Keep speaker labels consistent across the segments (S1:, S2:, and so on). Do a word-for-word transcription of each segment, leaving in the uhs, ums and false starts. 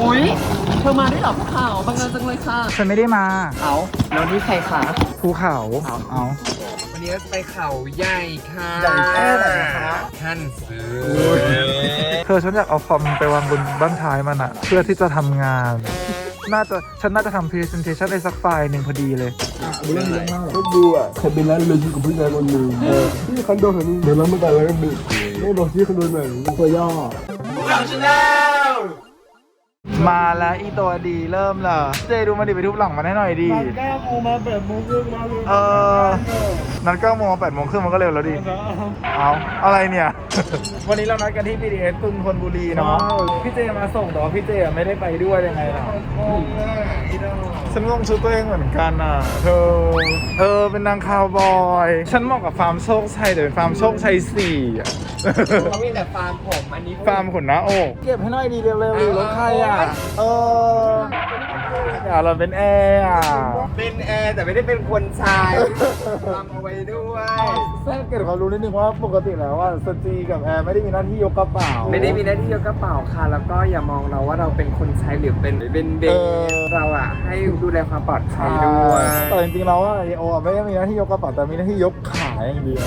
S1: อุ๊ยเธอมาได้หรอภูเขาบังเอิญจังเลยค่ะ
S2: ฉันไม่ได้มา
S1: เอาแล้วนี่ใครคะ
S2: ภูเขาเอา
S3: วันนี้เราจะไปเขาใหญ่ค่ะ
S2: ใหญ่แค่ไหนคะ
S3: ท่านซื้อ
S2: เธอฉันอยากเอาคอมไปวางบนบ้านท้ายมันอะเพื่อที่จะทำงาน น่าจะฉันน่าจะทำ presentation ได้สักไฟล์หนึ่งพอดีเลย
S4: เรื่องเยอะมากก็ดูอ่ะฉันเป็นร้านเลยอยู่กับผู้ชายคนหนึ่งที่คอนโดแห่งนี้เดี๋ยวเราไม่กันแล้วกันดิไม่บอกที่คอนโดไหนตัวย่อ
S2: มาแล้วอีตัวดีเริ่มเลยเจดูมาดิไปทุบหลังมันให้หน่อยดี
S4: แก้โมมาแบบโมงครึ่งมาเลย
S2: เออนัดเก้าโมงแปดโมงครึ่งมันก็เร็วแล้วดิ เอาอะไรเนี่ย วันนี้เรานัดกันที่ บี ที เอส กรุงธนบุรีเนาะ พี่เจมาส่งแต่ว่าพี่เจไม่ได้ไปด้วยยังไงล่ะฉันงงชุดตัวเองเหมือนกันอ่ะ เธอ เออเป็นนางคาวบอย ฉันเหมาะกับฟาร์มโชคชัยแต่เป็นฟาร์มโชคชัยสี่อ่ะ
S3: เขามีแต่ฟาร์มผมอันนี้
S2: ฟาร์มขนหน้าอกเก็บให้หน่อยดีเร็วๆดิรถใครอ่ะ เอออย่าเราเป็นแอร์อ่ะ
S3: เป็นแอร์แต่ไม่ได้เป็นคนชายทำเอาไว้ด้วย
S2: แท้เกิดความรู้นิดนึงว่าปกติแล้วว่าสจีกับแอร์ไม่ได้มีหน้าที่ยกกระเป๋า
S3: ไม่ได้มีหน้าที่ยกกระเป๋าค่ะ แล้วก็อย่ามองเราว่าเราเป็นคนใช้หรือเป็นเป็นเบ
S2: เออ
S3: เราอะให้ดูแลความปลอดภัยด้วย
S2: แต่จริงๆแล้วว่าไอโออะไม่ได้มีหน้าที่ยกกระเป๋าแต่มีหน้าที่ยกขาอย่างเดียว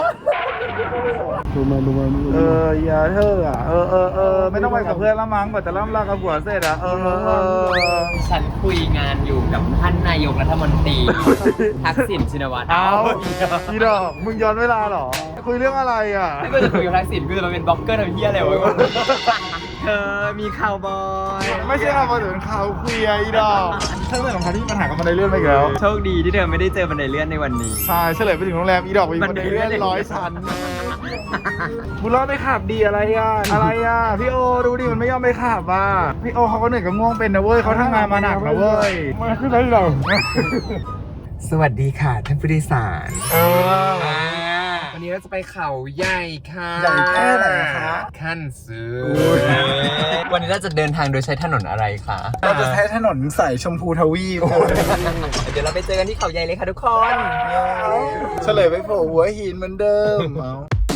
S4: ดูมาดูมา
S2: เอออย่าเธออ่ะเออเออเออไม่ต้องไปกับเพื่อนละมั้งกว่าจะล่ำลากับผัวเสร็จอ่ะเออเออเออ
S1: ฉันคุยงานอยู่กับท่านนายกรัฐมนตรีทักษิณชินวัตร
S2: เอาอีดอกมึงย้อนเวลาเหรอคุยเรื่องอะไรอ่ะ
S1: ไม่ก็จะคุยกับทักษิณคือเราเป็นบล็อกเกอร์ทำเพี้ยอะไรวะเธอมีข่าวบอย
S2: ไม่ใช่ข่าวมาถึงข่าวเคลียร์อีดอกเธอเป็นของเขาที่มีปัญหากับมันในเรื่องไปอีกแล้ว
S1: โชคดีที่เธอไม่ได้เจอบันไดเลื่อนในวันนี้
S2: ใช่เฉลยไปถึงโรงแรมอีดอกไปบันไดเลื่อนร้อยชั้นบุญรอดไปขับดีอะไรอ่ะอะไรอ่ะพี่โอดูดิมันไม่ยอมไปขับอ่ะพี่โอเขาก็เหนื่อยกับง่วงเป็นนะเว้ยเขาทำงานมาหนักนะเว้ย
S4: มาขึ้นได้หรอ
S3: สวัสดีค่ะท่านผู้โดยสาร
S2: เออ
S3: วันนี้เราจะไปเขาใหญ่ค่ะ
S2: ใหญ่แค่ไหนคะ
S3: ขั้นซื้อ
S1: วันนี้เราจะเดินทางโดยใช้ถนนอะไรคะ
S2: เราจะใช้ถนนสายชมพูทวีป
S1: เดี๋ยวเราไปเจอกันที่เขาใหญ่เลยค่ะทุกคน
S2: เฉลยไปโผล่หัวหินเหมือนเดิมเอา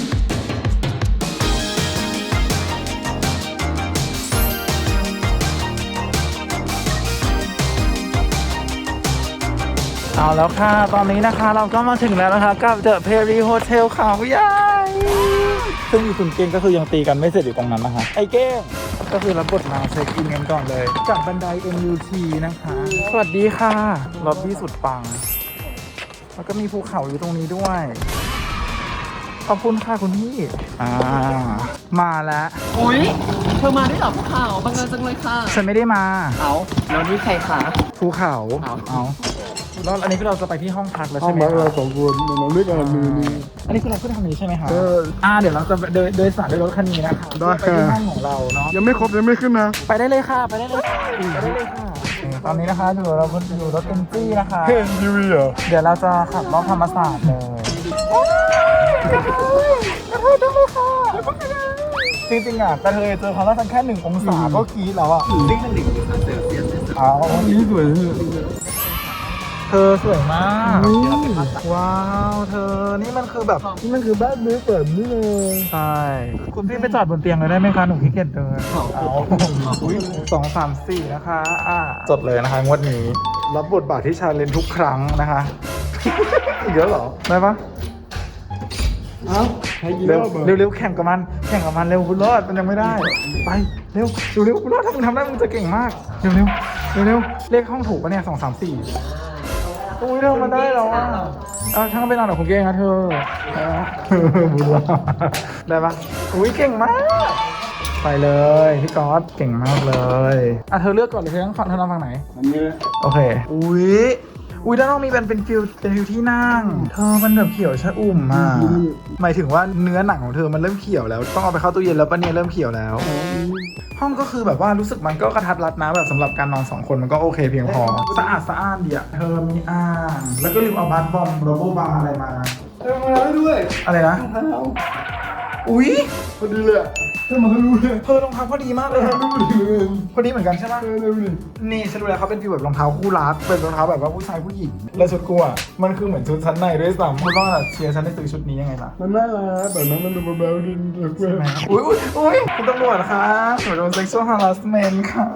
S2: เอาแล้วค่ะ ตอนนี้นะคะเราก็มาถึงแล้วนะคะกับเดอะเพรีโฮเทลเขาใหญ่ซึ่งมีคุณเก้งก็คือยังตีกันไม่เสร็จอยู่ตรงนั้นนะคะไอ้เก้งก็คือรับบทมาเช็คอินกันก่อนเลยจากบันได เอ็ม ยู ที นะคะ สวัสดีค่ะล็อบบี้สุดปัง แล้วก็มีภูเขาอยู่ตรงนี้ด้วย ขอบคุณค่ะคุณพี่อ่ามาแล้ว
S1: อุ๊ยเธอมาได้หรอภูเขาบังเอิญจังเลยค่ะ
S2: ฉันไม่ได้มา
S1: เอาแล้วนี่ใครคะ
S2: ภูเขา
S1: เอา
S2: เอาแล้วอันนี้คือเราจะไปที่ห้องพักแล้ว
S4: ห้อ
S2: ใช่
S4: ง
S2: ไหม
S4: พัก
S2: ค
S4: เรา
S2: รับ
S4: สองคนเราด้วยกันมือนี้
S2: อันนี้คือเราขึ้นทางนี้ใช่ไหมคะ
S4: เออ
S2: อ่าเดี๋ยวเราจะโดยโดยสารด้วยรถคันนี้นะคะ
S4: ได้
S2: ไปที่
S4: ค่ะ
S2: ห้องของเราเนาะ
S4: ยังไม่ครบยังไม่ขึ้นนะ
S2: ไปได้เลยค่ะ ไปได้เลยค่ะไปได้เลยค่ะตอนนี้นะคะอยู่เราอยู่รถเอ็นจี้นะคะ
S4: เห็นทีวีเหรอ
S2: เดี๋ยวเราจะขับรอบธรรมศาสตร์เลยกระเทยกระเทยจังเลยค่ะจริงๆอ่ะกระเทยเจอความร้อนแค่หนึ่งองศาก็กรี๊ดแล้วอ่ะ
S1: นี่มันหนึ่งองศาเซลเซียส
S2: เอา
S4: นี่สวย
S2: เธอสวยมากว้าวเธอนี่มันคือแบบ
S4: นี่มันคือบ้านมือเปิดนี่เลย
S2: ใช่คุณพี่ไปจอดบนเตียงเลยได้ไหมคะหนูขี้เกียจเดินเอาอุ้ยสองสามสี่นะคะอ่าจดเลยนะคะงวดนี้รับบทบาทที่ชาเลนจ์ทุกครั้งนะคะ อีกแล้วเหรอได้ปะ
S4: เอ้าให้กี่ร
S2: เร็ว
S4: อบเหรอ
S2: เร็วเร็วแข่งกับมันแข่งกับมันเร็วบุญรอดมันยังไม่ได้ไปเร็วเร็วเร็วบุญรอดถ้ามึงทำได้มึงจะเก่งมากเร็วเร็วเร็วเร็วเลขห้องถูกปะเนี่ยสองสามสี่อุ้ยเธอมาได้แล้วอ่ะเอาช่างไปนอนกับคุณเก่งนะเธอบุญรอดได้ปะอุ้ยเก่งมากไปเลยพี่ก๊อตเก่งมากเลยอ่ะเธอเลือกก่อนเลยเธอต้องฟังเธอนอนฝั่งไหน
S4: อันนี้
S2: โอเคอุ้ยอุ้ยด้านนอกมีเป็นเป็นฟิลเป็นฟิลที่นั่งเธอมันแบบเขียวชะอุ่มอ่ะหมายถึงว่าเนื้อหนังของเธอมันเริ่มเขียวแล้วต้องเอาไปเข้าตู้เย็นแล้วปะเนี่ยเริ่มเขียวแล้ว ห้องก็คือแบบว่ารู้สึกมันก็กระทัดรัดนะแบบสำหรับการนอนสองคนมันก็โอเคเพียงพอสะอาดสะอ้านดีอะเธอมีอ่างแล้วก็ลืมเอาบาร์บอมโรโบบาร์อะไรมา
S4: เออมาแล้วด้วย
S2: อะไรนะ
S4: เท้า
S2: อุ้ย
S4: พอดีเลยเธอมารู้เลย
S2: เธอรองเท้าพอดีมากเลยอะ
S4: รู้ดีเลย
S2: พอดีเหมือนกันใช่ปะ
S4: เออเร็วดิ
S2: นี่ฉันดูแล้วเขาเป็นฟีลแบบรองเท้าคู่รักเป็นรองเท้าแบบว่าผู้ชายผู้หญิงแล้วชุดกูอะมันคือเหมือนชุดชั้นในด้วยซ้ำคุณว่าเชียร์ฉันได้ซื้อชุดนี้ยังไงล่ะ
S4: มันน่ารักแต่นั้นมันดูเบาๆดินเด็กเว้ย
S2: อุ้ยอุ้ยอุ้ยคุณตำรวจคะหนูโดน sexual harassment ค่ะ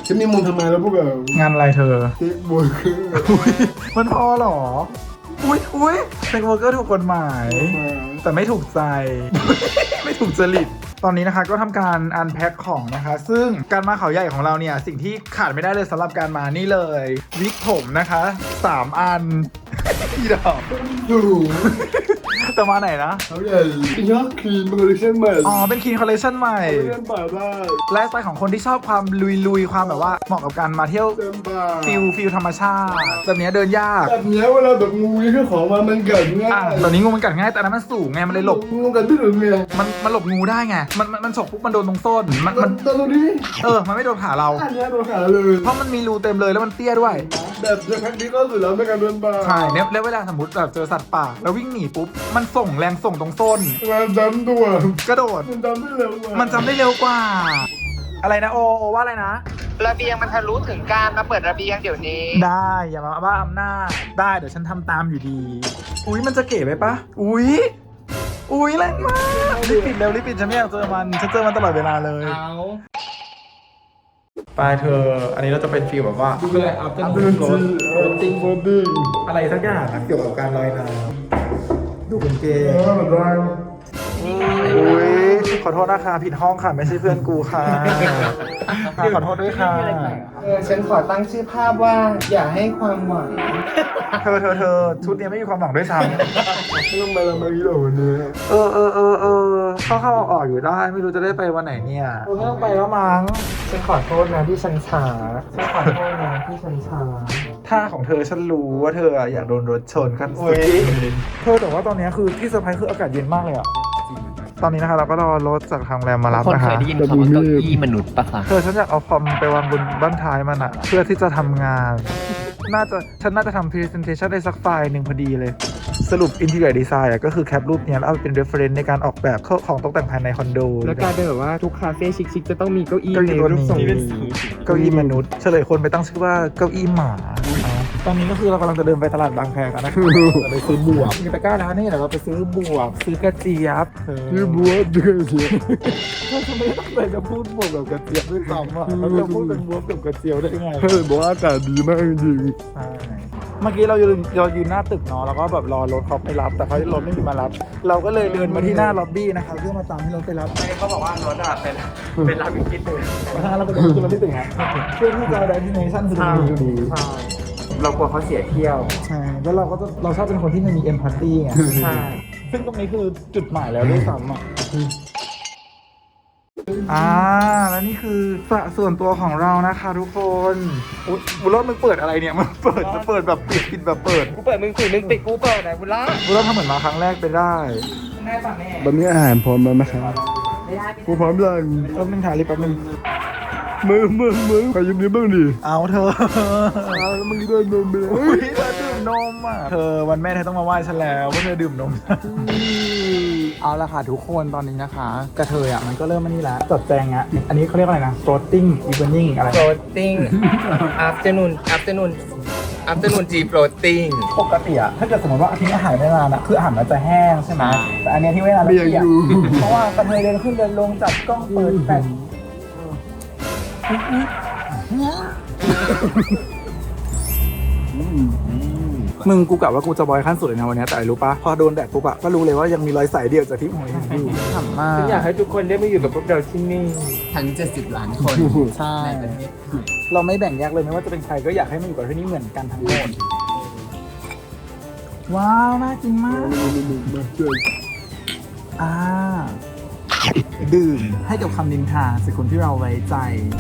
S4: ฉันมีมุมทำไมแล้วพวกเรา
S2: งานอะไรเธอ
S4: เซ็กบอยคือ
S2: อุ๊ยมันพอเหรอ อุ้ยอุ้ยเซ็กเวอร์เกอร์ถูกกฎหมาย แต่ไม่ถูกใจ ไม่ถูกจริต ตอนนี้นะคะก็ทำการอันแพ็คของนะคะ ซึ่งการมาเขาใหญ่ของเราเนี่ย สิ่งที่ขาดไม่ได้เลยสำหรับการมานี่เลยวิกผมนะคะสามอัน อีดอก
S4: ดู
S2: แต่มาไหนนะ
S4: เขาใหญ่เป็นยอดคลีนเป็นคอลเลคชั่นใหม่
S2: อ๋อ เป็นคีนคอลเลคชันใหม่
S4: คอลเลคชั่นป่าได้
S2: ไลฟ์สไตล์ของคนที่ชอบความลุยๆ ความแบบว่าเหมาะกับการมาเที่ยว
S4: เต็มป่า
S2: ฟิลฟิลธรรมชาติแบบเนี้ยเดินยาก
S4: แบบเนี้ยเวลาแบบงูนี่คือของมามันกัดง่า
S2: อ่ะ
S4: ย
S2: ตอนนี้งูมันกัดง่ายแต่อันนั้นมันสูงไงมันเลยหลบ
S4: งูกัดไม่ถึงไง
S2: มันมันหลบงูได้ไง มันมันมันฉกปุ๊บมันโดนตรงส้น มันมัน
S4: ตอนนี้
S2: เออ มันไม่โดนขาเรา
S4: อันเนี้ยโดนขาเลย
S2: เพราะมันมีรูเต็มเลยแล้วมันเตี้ยด้วย
S4: แบบอย่างนี้ก็สุดแล้วในการเดินป่า
S2: ใช่เนี่ยแล้วเวลาสมมติแบบเจอสัตว์ป่าแล้ววิ่งหนีปุ๊บ มันส่งแรงส่งตรงส้น
S4: มันจำตัว
S2: กระโดด
S4: มันจำได้เร็วกว่า
S2: มันจำได้เร็วกว่า อะไรนะโอโอว่าอะไรนะ
S3: ระเบียงมันทะลุถึงการมาเปิดระเบียงเดี๋ยวนี้
S2: ได้อย่ามาบ้าอำนาจได้เดี๋ยวฉันทำตามอยู่ดี อุ้ยมันจะเก๋ไปปะอุ้ยอุ้ยแรงมากรีบปิดเร็วรีบปิดฉันไม่อยากเจอมันฉันเจอมันตลอดเวลาเลย
S1: เอา
S2: ไปเธอ อันนี้เราจะเป็นฟีลแบบว่า
S1: เพื่อเอาเป็น
S4: ดูจีโรติ้งบอดี้
S2: อะไรสักอย่างนะเกี่ยวกับการลอยน้ำดูเป็นเก
S4: เอ
S2: ย์
S4: อได้
S2: อุ้ยขอโทษนะคะผิดห้องค่ะไม่ใช่เพื่อนกูค่ะค่ะขอโทษด้วยค่ะ
S3: เออฉันขอตั้งชื่อภาพว่าอย่าให้ความหวัง
S2: เธอเธอเธอชุดนี้ไม่มีความหวังด้วยซ้
S4: ไม่ต้องมาละมาอีหรอวันนี้
S2: ำเออเออเออเออเข้าเข้าออกๆอยู่ได้ไม่รู้จะได้ไปวันไหนเนี่ยไม่ต้องไปแล้วมั้ง
S3: ฉันขอโทษนะที่ฉันช้าฉันขอโทษนะที่ฉันช้า
S2: ท่าของเธอฉันรู้ว่าเธออยากโดนรถชนกันสุดเธอแต่ว่าตอนนี้คือที่เซอร์ไพรส์คืออากาศเย็นมากเลยอ่ะตอนนี้นะคะเราก็รอรถจากทางโรงแรมมารับ
S1: คน
S2: นะ
S1: เค
S2: คะ
S1: ยได้ยินคำว่าเก้าอี้มนุษย์ปะคะ
S2: เธอฉันอยากเอาคอมไปวางบนบ้านท้ายมันอะเพื่อที่จะทำงาน น่าจะฉันน่าจะทำ presentation ได้สักไฟล์หนึ่งพอดีเลย สรุป interior design อะก็คือแคปรูปเนี้ยแล้วเอาไปเป็น reference ในการออกแบบของตกแต่งภายในคอนโด
S3: แล้วกลายเป็นแบบว่าทุกคาเฟ่ชิคๆจะต้องมีเก้าอี้
S2: เก้าอี้
S3: ใน
S2: ตัว
S3: รูป
S2: นี้
S3: ทรงนี้
S2: เก้าอี้มนุษย์เฉลยคนไปตั้งชื่อว่าเก้าอี้หมาตอนนี้ก็คือเรากำลังจะเดินไปตลาดบางแคกันนะจะไปซื้อบวบมีตะกร้าร้านนี่เดี๋ยวเราไปซื้อบวบซื้อกระเจี๊ยบ
S4: คือบัวเดือดเสีย
S2: เราจะไม่ตั้งใจจะพูดบวบกับกระเจี๊ยบด้วยซ้ำอ่ะเราจะพูดเป็นบวบกับกระเจี๊ยบได้ไง
S4: เฮ้ยบอกว่าอากาศดีมากจริง
S2: ใช่เมื่อกี้เรายืนเรายืนหน้าตึกเนาะแล้วก็แบบรอรถเขาไปรับแต่เขารถไม่มีมารับ เราก็เลยเดินมาที่หน้าล็อบบี้นะคะเพื่อมาตามให้รถไปรับเขาบอกว่ารถอะเป็นเป็นรับอีกนิดนึงเพราะฉะนั้นเราก็เดินขึ้นรถที่ตึกฮะเพื่อที่จะได้ที่เนชั่นคือตรงนี้อยู่ดี
S3: เรากลัวเขาเสียเที่ยว
S2: ใช่แล้วเราก็จะเราชอบเป็นคนที่ไม่มีเอมพัตตี้ไง
S3: ใช่
S2: ซึ่งตรงนี้คือจุดหมายแล้วด้วยซ้ำอ่ะอ่าแล้วนี่คือสระส่วนตัวของเรานะคะทุกคนอุ๊ยบุญรอดมึงเปิดอะไรเนี่ยมันเปิดจะเปิดแบบปิดปิดแบบเปิด
S3: กูเปิดมึงปิดมึงปิดกูเปิดไหนบุญละ
S2: บุญรอดทำเหมือนมาครั้งแรกไปได้
S3: แม่ป่ะแม่
S4: ๆวันนี้อาหารพร้อมแล้วนะครับกูพร้อมยัง
S2: แป๊บนึงถ่ายรีบแป๊บนึง
S4: มือมือมือขอยืมนิ้วบ้างดิ
S2: เอาเธอ
S4: อ้าวแล้วมึงได้นมไปแล้ว
S2: อุ้ยเธอดื่มนมอ่ะเธอวันแม่เธอต้องมาไหว้ฉันแล้วว่าเธอดื่มนม เอาละค่ะทุกคนตอนนี้นะคะกระเทยอ่ะมันก็เริ่มมานี่แล้วจัดแจงอ่ะอันนี้เขาเรียกว่าอะไรนะ floating evening อะไร
S3: โปรติ้ง afternoon afternoon afternoon tea floating
S2: ปกติอะถ้าเกิดสมมติว่าอาทิตย์อาหารไม่นานอะคืออาหารมันจะแห้งใช่ไหมแต่อันเนี้ยที่ไม่นาน
S4: ไม่อยากอยู่
S2: เพราะว่ากระเทยเดินขึ้นเดินลงจับกล้องเปิดแฟลชมึงกูกะว่ากูจะบอยขั้นสุดเลยนะวันนี้แต่ไอ้รู้ปะพอโดนแดดปุ๊บอะก็รู้เลยว่ายังมีรอยใสเดียวจากที่หัวยังอยู่ขำมาก
S3: ฉันอยากให้ทุกคนได้มาอยู่กับพวกเราที่นี่
S1: ทั้งเจ็ดสิบล้านคน
S2: ใช่
S1: ในประเทศไทย
S2: เราไม่แบ่งแยกเลยไม่ว่าจะเป็นใครก็อยากให้มันอยู่กับที่นี่เหมือนกันทั้งหมดว้าวน่ากินมาก
S4: มาช่วย
S2: อ่าดื่มให้กับคำนินทาจากคนที่เราไว้ใจ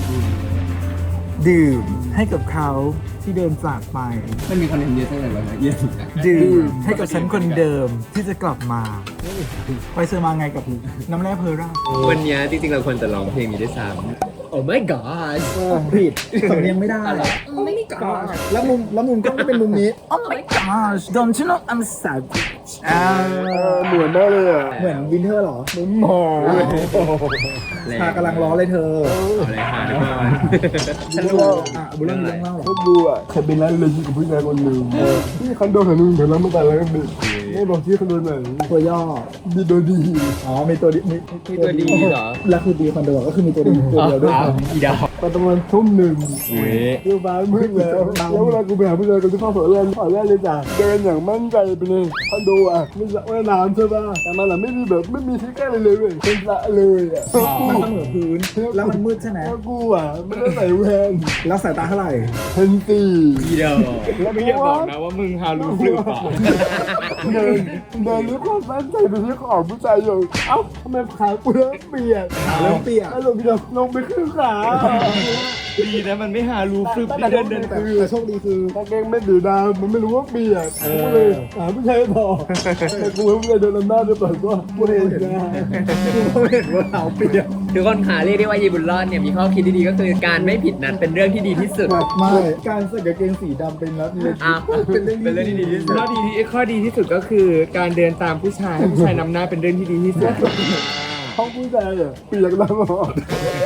S2: ดื่มให้กับเขาที่เดินจากไป
S1: มันมีคอนเทนต์เยอะจังเลยวันนี้เยอะสุดอะ
S2: ดื่มให้กับฉันคนเดิมที่จะกลับมา ไปเซอร์มาไงกับน้ำแร่เพอร่า
S1: วันนี้จริงๆเราควรจะร้องเพลงนี้ด้วยซ้ำ Oh my god
S2: ผิดสำเนียงไม่ได้
S1: Oh my god
S2: แล้วมุมแล้วมุมกล้องก็เป็นมุมนี้ Oh my gosh don't you know I'm savage อ่า
S4: เออเหมือนมากเลยอ่ะ
S2: เหมือนวินเทอร์เหรอ
S4: เหมือนหมอเลย
S2: ชากำลังร้อนเลยเธอ
S1: เอาเลยค่ะทุกคน
S2: ฉันรู้อ่ะบุญเรื่องมีเรื่องเล่าเหรอ
S4: พวกกูอ่ะเคยเป็นร้านเลยกับผู้ชายคนหนึ่งที่คอนโดแห่งหนึ่งเดี๋ยวเราไม่ตายแล้วกันดิไม่บอกที่คอนโดไหน
S2: ตัวย่อ
S4: มีตัวดี
S2: อ๋อ มีตัวดีมี
S1: มีตัวดีเหรอ
S2: แล้วคือดีคอนโดก็คือมีตัวดีตัวเดียวด้วย
S1: อ้าว
S2: ซ้ำ
S1: อีดอก
S4: ตอนประมาณทุ่มหนึ่ง
S1: อุ้ย
S4: คือบ้านมืดแล้วแล้วเวลากูไปหาผู้ชายคนที่เข้าสวนเล่นขอแรกเลยจ้ะเดินอย่างมั่นใจไปเลยคอนโดอ่ะไม่สระว่ายน้ำใช่ป่ะแต่มันอ่ะไม่มีแบบไม่มีที่ใกล้เลยเลยเว้ยเป็นสระเลยอ่ะ
S2: มันเสมอพื้นแล้วมันมืดใช่ไหม
S4: แล้วกูอ่ะไม่ได้ใส่แวน
S2: แล้วสายตาเท่าไหร่
S4: เห็นสี่
S1: เดียว
S4: แล้วไม่บอกนะว่ามึงฮารูฟหรือเปล่าเดินเดินด้วยความมั่นใจไปที่ของผู้ชายอยู่เอ้าทำไมขากูเริ่มเปียก
S2: เริ่มเปียก
S4: แล้วลงไปลงลงไปครึ่งขา
S1: ดีนะมันไม่หารูฟลึบ
S4: แต่
S1: เดินเดิน
S2: แต่แต่โชคดีคือ
S4: กางเกงไม่ดีดำมันไม่รู้ว่าเปียกกูเลยหาผู้ชายต่อแต่กูไม่ได้เดินลำหน้าด้วยเปิดว่ากูเห็นนะ
S2: เขาเห็นว่าเราเปียก
S1: ทุกคนค่ะเรียกได้ว่ายีบุญรอดเนี่ยมีข้อคิดที่ดีก็คือการไม่ผิดนัดเป็นเรื่องที่ดีที่สุด
S2: ไม่การใส่กางเกงสีดำเป็นนัดเลย
S1: อ่ะเป็นเรื่องที่ดีที่สุด
S3: ข้อดีที่ข้อดีที่สุดก็คือการเดินตามผู้ชายให้ผู้ชายนำหน้าเป็นเรื่องที่ดีที่สุด
S4: ห้องผู้ชายอ่ะเปียกตลอด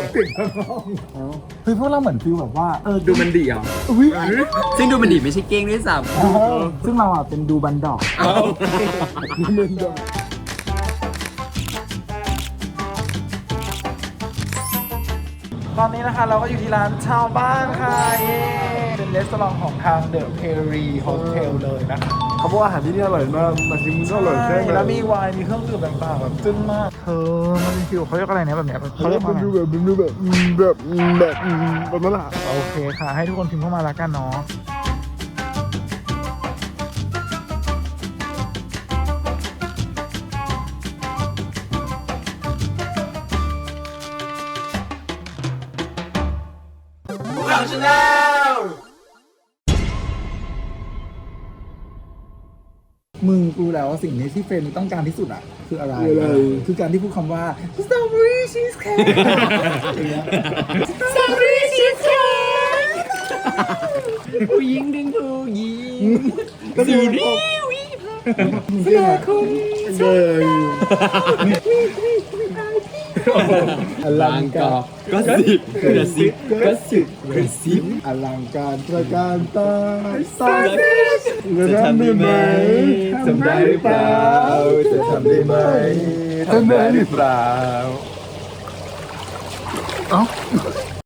S2: คือพวกเราเหมือนฟิลแบบว่าเออ
S3: ดูมันดีอ่ะ
S2: อุ้ย
S1: ซึ่งดูมันดีไม่ใช่เก้งด้วยซ้
S2: ซึ่งเราอ่ะเป็นดูบันดอก
S4: นี่มันดอก
S2: ตอนนี้นะคะเราก็อยู่ที่ร้านชาวบ้านค่ะเย้เป็นรีสอร์ทของทางเดอะเพรีโฮเทลเลยนะคะ
S4: เขาบอกว่าอาหารที่นี่อร่อยมากมาชิมก็อร่อยแค่ไหน
S2: แล้วมีไวน์มีเครื่องดื่มต่างๆแบบจึ้งมากเธอมันเป็นฟิลเขาเรียกอะไรเนี่ยแบบเนี้ยเขา
S4: เขา
S2: เรี
S4: เรี
S2: ย
S4: ย
S2: ก
S4: ก
S2: ว่า
S4: มัน
S2: อะไร
S4: ดูแบบมันดูแบบอืมแบบอืมแบบอืมแบบนั้นแหละ
S2: โอเคค่ะ ให้ทุกคนพิมพ์เข้ามาแล้วกันเนาะมึงกูแล้วว่าสิ่งนี้ที่เฟรนต้องการที่สุดอ่ะ คืออะไร
S4: คืออะไร
S2: คือการที่พูดคำว่า strawberry cheesecake อย่างเงี้ย
S1: strawberry cheesecake ผู้หญิงดึงผู้หญิง
S2: ก็ดูดิ
S4: เก่งอะเก่ง
S2: อลังการ
S1: ก็สิบกระซิบก็สิบกระซิบ
S2: อลังการตระการตาสา
S4: จะทำได้ไหม
S2: ทำได้หรือเปล่าจะทำได้ไหม
S4: ทำได้หรือเปล่า
S2: เอ้า